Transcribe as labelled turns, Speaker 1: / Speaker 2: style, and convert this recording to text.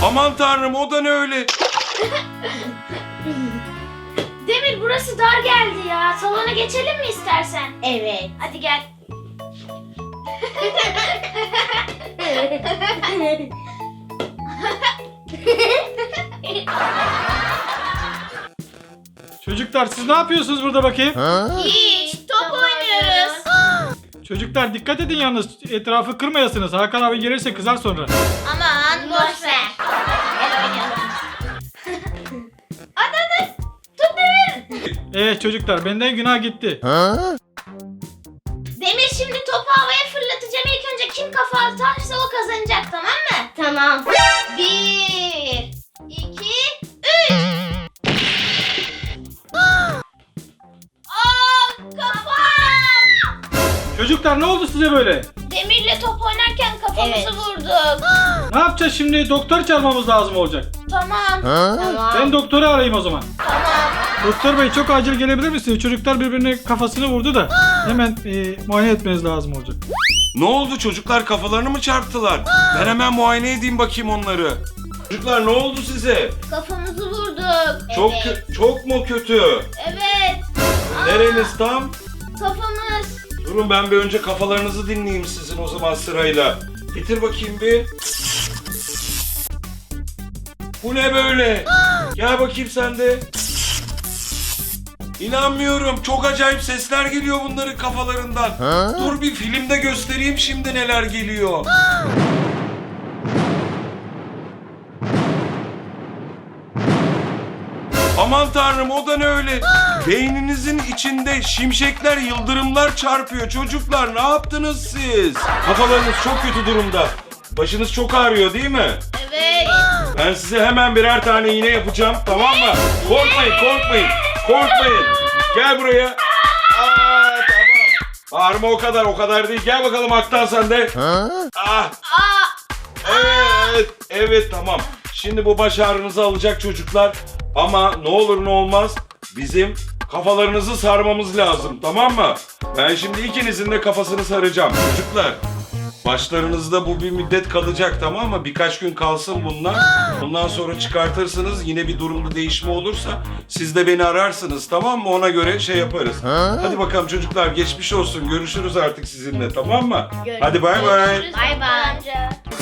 Speaker 1: Aman tanrım, o da ne öyle?
Speaker 2: Demir, burası dar geldi ya. Salona geçelim mi istersen?
Speaker 3: Evet.
Speaker 2: Hadi gel.
Speaker 4: Çocuklar siz ne yapıyorsunuz burada bakayım?
Speaker 2: Hiç, top oynuyoruz.
Speaker 4: Çocuklar dikkat edin yalnız, etrafı kırmayasınız. Hakan abi gelirse kızar sonra.
Speaker 2: Aman boş ver. Gel oynayalım. Hadi. Tut Demir.
Speaker 4: Çocuklar benden günah gitti.
Speaker 2: Demir, şimdi topu havaya fırlatacağım. İlk önce kim kafa atarsa o kazanacak, tamam mı?
Speaker 3: Tamam.
Speaker 2: 1, 2, 3. Kafam!
Speaker 4: Çocuklar ne oldu size böyle?
Speaker 2: Demirle top oynarken kafamızı
Speaker 3: Evet.
Speaker 2: vurduk.
Speaker 4: Ne yapacağız şimdi? Doktor çağırmamız lazım olacak.
Speaker 2: Tamam.
Speaker 3: Tamam.
Speaker 4: Ben doktoru arayayım o zaman.
Speaker 2: Tamam.
Speaker 4: Doktor bey çok acil gelebilir misiniz? Çocuklar birbirine kafasını vurdu da hemen muayene etmeniz lazım olacak.
Speaker 1: Ne oldu, çocuklar kafalarını mı çarptılar? Ben hemen muayene edeyim bakayım onları. Çocuklar ne oldu size?
Speaker 2: Kafamızı vurduk.
Speaker 1: Çok çok mu kötü?
Speaker 2: Evet.
Speaker 1: Nereniz tam?
Speaker 2: Kafamız.
Speaker 1: Durun, ben bir önce kafalarınızı dinleyeyim sizin o zaman sırayla. Getir bakayım bir. Bu ne böyle? Gel bakayım sen de. İnanmıyorum. Çok acayip sesler geliyor bunların kafalarından. Dur bir filmde göstereyim şimdi neler geliyor. Aman tanrım, o da ne öyle? Beyninizin içinde şimşekler, yıldırımlar çarpıyor. Çocuklar ne yaptınız siz? Kafalarınız çok kötü durumda. Başınız çok ağrıyor değil mi?
Speaker 2: Evet.
Speaker 1: Ben size hemen birer tane iğne yapacağım, tamam mı? Korkmayın. Gel buraya. Tamam. Bağırma o kadar değil. Gel bakalım Aktan sen de. Ah. Evet tamam. Şimdi bu baş ağrınızı alacak çocuklar. Ama ne olur ne olmaz bizim kafalarınızı sarmamız lazım, tamam mı? Ben şimdi ikinizin de kafasını saracağım çocuklar. Başlarınızda bu bir müddet kalacak, tamam mı? Birkaç gün kalsın bunlar. Bundan sonra çıkartırsınız. Yine bir durumda değişme olursa siz de beni ararsınız, tamam mı? Ona göre şey yaparız. Hadi bakalım çocuklar, geçmiş olsun. Görüşürüz artık sizinle, tamam mı? Hadi bay bay.
Speaker 2: Bay bay.